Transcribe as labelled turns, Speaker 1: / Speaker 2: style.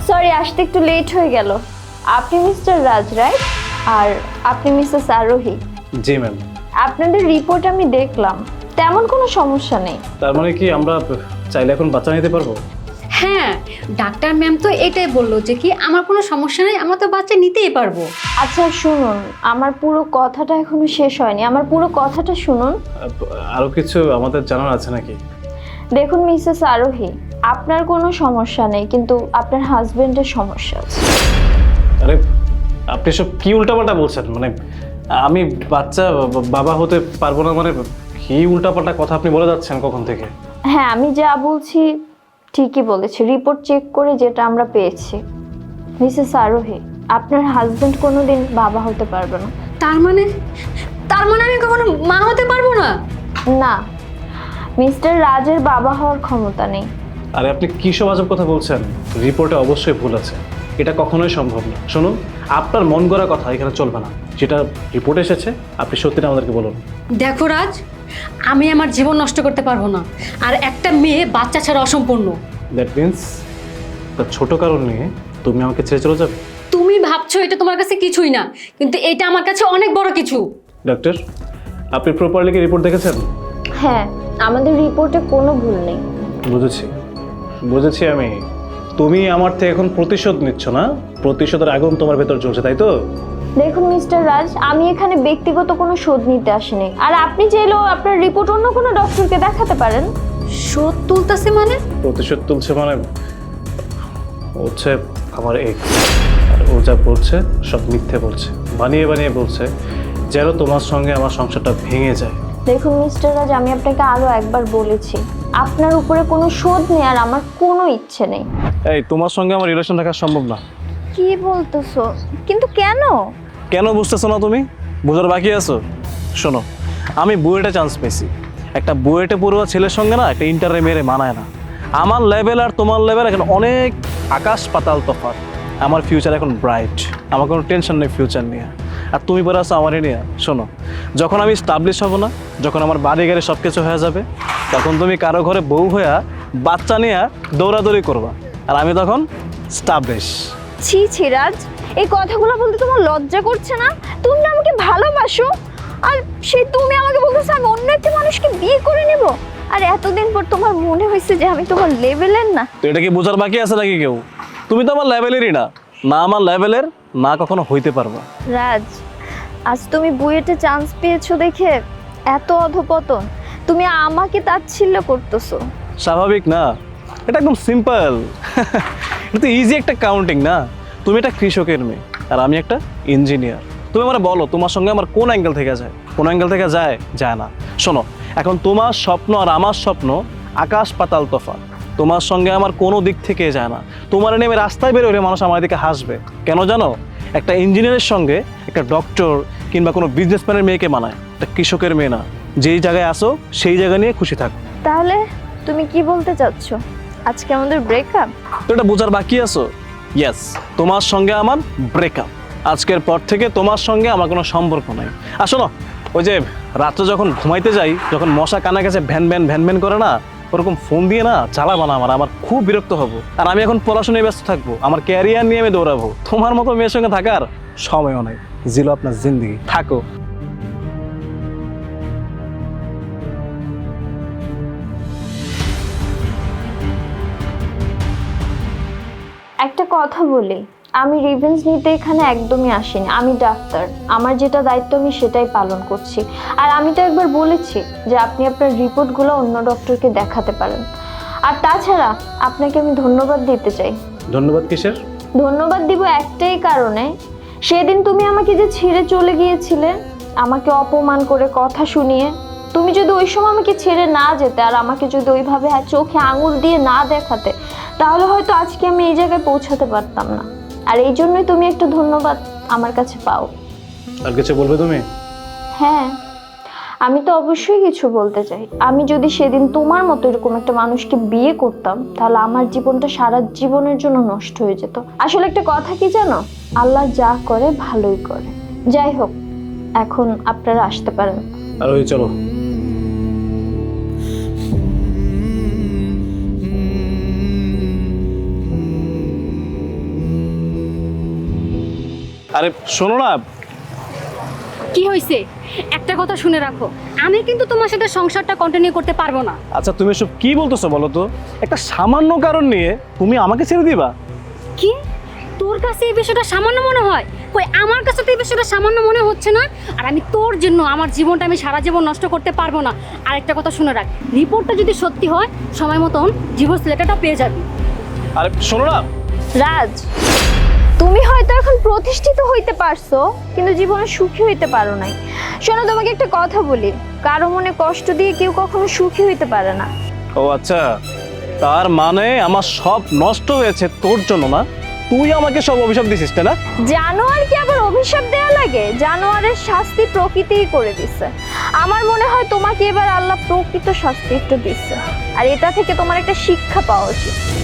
Speaker 1: Sorry, আসতে একটু late হয়ে গেল। আপনি মিস্টার রাজ, রাইট? আর আপনি মিসেস আরোহী।
Speaker 2: জি ম্যাম।
Speaker 1: আপনাদের রিপোর্ট আমি দেখলাম, তেমন কোনো সমস্যা নেই।
Speaker 2: তার মানে কি আমরা চাইলে এখন বাচ্চা নিতে পারবো?
Speaker 3: হ্যাঁ, ডাক্তার ম্যাম তো এটাই বললো যে কি আমার কোনো সমস্যা নেই, আমরা তো বাচ্চা নিতেই পারবো।
Speaker 1: আচ্ছা শুনুন, আমার পুরো কথাটা এখনো শেষ হয়নি, আমার পুরো কথাটা শুনুন।
Speaker 2: আরো কিছু আমাদের জানার আছে নাকি?
Speaker 1: দেখুন মিসেস আরোহী, আপনার কোনো সমস্যা নেই, কিন্তু আপনার হাজবেন্ডের সমস্যা আছে।
Speaker 2: আরে আপনি সব কি উল্টাপাল্টা বলছেন? মানে আমি বাচ্চা বাবা হতে পারবো না মানে কি উল্টাপাল্টা কথা আপনি বলে যাচ্ছেন কখন থেকে?
Speaker 1: হ্যাঁ, আমি যা বলছি ঠিকই বলেছি, রিপোর্ট চেক করে যেটা আমরা পেয়েছি। মিসেস আরোহী, আপনার হাজবেন্ড কোনোদিন বাবা হতে পারবে না।
Speaker 3: তার মানে আমি কখনো মা হতে পারবো না?
Speaker 1: না, মিস্টার রাজের বাবা হওয়ার ক্ষমতা নেই।
Speaker 2: আরে আপনি কি সব আজব কথা বলছেন? রিপোর্টে অবশ্যই ভুল আছে, এটা কখনোই সম্ভব না। শুনুন, আপনার মন গড়া কথা এখানে চলবে না। যেটা রিপোর্ট এসেছে আপনি সত্যিটা আমাদেরকে বলুন।
Speaker 3: দেখো রাজ, আমি আমার জীবন নষ্ট করতে পারবো না, আর একটা মেয়ে বাচ্চা ছাড়া অসম্পূর্ণ।
Speaker 2: দ্যাট মিনস তার ছোট কারণ নিয়ে তুমি আমাকে ছেড়ে চলে যাবে?
Speaker 3: তুমি ভাবছো এটা তোমার কাছে কিছুই না, কিন্তু এটা আমার কাছে অনেক বড় কিছু।
Speaker 2: ডাক্তার, আপনি প্রপারলি কি রিপোর্ট দেখেছেন?
Speaker 1: হ্যাঁ, আমাদের রিপোর্টে কোনো ভুল নেই।
Speaker 2: বুঝেছি আমি। তুমি আমার থেকে এখন প্রতিশোধ নিচ্ছ না? প্রতিশোধের আগুন তোমার ভেতর জ্বলছে, তাই তো?
Speaker 1: দেখুন মিস্টার রাজ, আমি এখানে ব্যক্তিগত কোনো শোধ নিতে আসিনি, আর আপনি চাইলেও আপনার রিপোর্ট অন্য কোনো ডক্টরকে দেখাতে পারেন।
Speaker 3: শোধ তুলতেছে মানে?
Speaker 2: প্রতিশোধ তুলছে মানে হচ্ছে আমার এক্স, আর ও যা বলছে সব মিথ্যে বলছে, বানিয়ে বানিয়ে বলছে যেন তোমার সঙ্গে আমার সংসারটা ভেঙে যায়।
Speaker 1: দেখুন মিস্টার রাজ, আমি আপনাকে আরো একবার বলেছি, আপনার উপরে কোনো শোধ নেওয়ার আমার কোনো ইচ্ছে নেই।
Speaker 2: এই তোমার সঙ্গে আমার রিলেশন রাখা সম্ভব না।
Speaker 1: কি বলতেছো? কিন্তু কেন?
Speaker 2: কেন বুঝতেছো না তুমি? বোঝার বাকি আছো? শোনো, আমি বুয়েটে চান্স পেয়েছি। একটা বুয়েটে পড়ুয়া ছেলের সঙ্গে না একটা ইন্টারে মেরে মানায় না। আমার লেভেল আর তোমার লেভেল এখন অনেক আকাশ পাতাল তফাৎ। আমার ফিউচার এখন ব্রাইট, আমার কোনো টেনশন নেই ফিউচার নিয়ে। আর তুমি পরে আসো আমারই নিয়ে। শোনো, যখন আমি স্টাবলিশ হব না, যখন আমার বাড়ি গাড়ি সব কিছু হয়ে যাবে, তখন তুমি কারো ঘরে বউ হইয়া বাচ্চা নিয়ে দৌড়াদৌড়ি করবা, আর আমি তখন স্টাবলিশ।
Speaker 1: ছি ছি রাজ, এই কথাগুলো বলতে তোমার লজ্জা করছে না? তুমি না আমাকে ভালোবাসো, আর সেই তুমি আমাকে বলতেছো আমি অন্য একটা মানুষকে বিয়ে করে নেব? আর এতদিন পর তোমার মনে হয়েছে যে আমি তোমার লেভেলের না?
Speaker 2: তো এটা কি বোঝার বাকি আছে নাকি কেউ? তুমি তো আমার লেভেলেরই না, না আমার লেভেলের, না কখনো হইতে পারবা।
Speaker 1: রাজ, আজ তুমি বুয়েটে চান্স পেয়েছো দেখে এত অধপতন, তুমি আমাকে তাচ্ছিল্য করতেছো।
Speaker 2: স্বাভাবিক না? এটা একদম সিম্পল। এটা তো ইজি একটা কাউন্টিং না? তুমি একটা কৃষকের মেয়ে আর আমি একটা ইঞ্জিনিয়ার। তুমি আমার বলো তোমার সঙ্গে আমার কোন অ্যাঙ্গেল থেকে যায়? কোন অ্যাঙ্গেল থেকে যায়? যায় না। শোনো, এখন তোমার স্বপ্ন আর আমার স্বপ্ন আকাশ পাতাল তফাৎ। তোমার সঙ্গে আমার কোনো দিক থেকে যায় না। তোমার নেমে রাস্তায় বেরোলে মানুষ আমার দিকে হাসবে কেন জানো? একটা ইঞ্জিনিয়ারের সঙ্গে একটা ডক্টর কিংবা কোনো বিজনেসম্যানের মেয়েকে মানায়, একটা কৃষকের মেয়ে না। যেই জায়গায় আসো সেই জায়গা নিয়ে খুশি থাকো।
Speaker 1: তাহলে তুমি কি বলতে চাচ্ছ, আজকে আমাদের ব্রেকআপ?
Speaker 2: তো এটা বোঝার বাকি আছো? ইয়েস, তোমার সঙ্গে আমার ব্রেকআপ। আজকের পর থেকে তোমার সঙ্গে আমার কোনো সম্পর্ক নাই। আর শোনো, ওই যে রাত্রে যখন ঘুমাইতে যাই, যখন মশা কানা গেছে ভ্যান ভ্যান ভ্যান ভ্যান করে না, ওরকম ফোন দিয়ে না চালাবা না। আমার খুব বিরক্ত হবো। আর আমি এখন পড়াশোনায় ব্যস্ত থাকবো, আমার ক্যারিয়ার নিয়ে আমি দৌড়াবো। তোমার মতো মেয়ের সঙ্গে থাকার সময়ও নাই। জিলো আপনার জিন্দগি, থাকো।
Speaker 1: একটা কথা বলি, আমি রিভেঞ্জ নিতে এখানে একদমই আসিনি। আমি ডাক্তার, আমার যেটা দায়িত্ব আমি সেটাই পালন করছি। আর আমি তো একবার বলেছি যে আপনি আপনার রিপোর্টগুলো অন্য ডক্টরকে দেখাতে পারেন। আর তাছাড়া আপনাকে আমি ধন্যবাদ দিতে চাই।
Speaker 2: ধন্যবাদ কিসের?
Speaker 1: ধন্যবাদ দিব একটাই কারণে, সেদিন তুমি আমাকে যে ছেড়ে চলে গিয়েছিলে, আমাকে অপমান করে কথা শুনিয়ে, তুমি যদি ওই সময় আমাকে ছেড়ে না যেতে আর আমাকে যদি ওইভাবে চোখে আঙুল দিয়ে না দেখাতে, তাহলে হয়তো আজকে আমি এই জায়গায় পৌঁছাতে পারতাম না। আর এই জন্যই তুমি একটা ধন্যবাদ আমার কাছে পাও।
Speaker 2: আর কিছু বলবে তুমি?
Speaker 1: হ্যাঁ, আমি তো অবশ্যই কিছু বলতে চাই। আমি যদি সেদিন তোমার মতো এরকম একটা মানুষকে বিয়ে করতাম, তাহলে আমার জীবনটা সারা জীবনের জন্য নষ্ট হয়ে যেত। আসলে একটা কথা কি জানো, আল্লাহ যা করে ভালোই করে। যাই হোক, এখন আপনারা আসতে পারেন।
Speaker 2: আর ওই চলো। আরে শোনো না,
Speaker 3: কি হয়েছে একটা কথা শুনে রাখো, আমি কিন্তু তোমার সাথে সংসারটা কন্টিনিউ করতে পারবো না।
Speaker 2: আচ্ছা তুমি সব কি বলতেছো বলো তো? একটা সামান্য কারণ নিয়ে তুমি আমাকে ছেড়ে দিবা?
Speaker 3: কি তোর কাছে এই বিষয়টা সামান্য মনে হয়? কই আমার কাছে তো এই বিষয়টা সামান্য মনে হচ্ছে না। আর আমি তোর জন্য আমার জীবনটা আমি সারা জীবন নষ্ট করতে পারবো না। আর একটা কথা শুনে রাখ, রিপোর্টটা যদি সত্যি হয় সময় মতন ডিভোর্স লেটারটা পেয়ে যাবি।
Speaker 2: আরে শোনো না,
Speaker 1: রাজ, তুমি হয়তো এখন প্রতিষ্ঠিত হইতে পারছো কিন্তু জীবনে সুখী হইতে পারো নাই। শোনো, তোমাকে একটা কথা বলি, কারো মনে কষ্ট দিয়ে কেউ কখনো সুখী হইতে পারে না।
Speaker 2: ও আচ্ছা, তার মানে আমার সব নষ্ট হয়েছে তোর জন্য না? তুই আমাকে সব অভিশাপ দিছিস তাই না?
Speaker 1: জানোয়ারকে আবার অভিশাপ দেওয়া লাগে? জানোয়ারের শাস্তি প্রকৃতিই করে দিচ্ছে। আমার মনে হয় তোমাকে এবার আল্লাহ প্রকৃত শাস্তি একটু দিচ্ছে, আর এটা থেকে তোমার একটা শিক্ষা পাওয়া উচিত।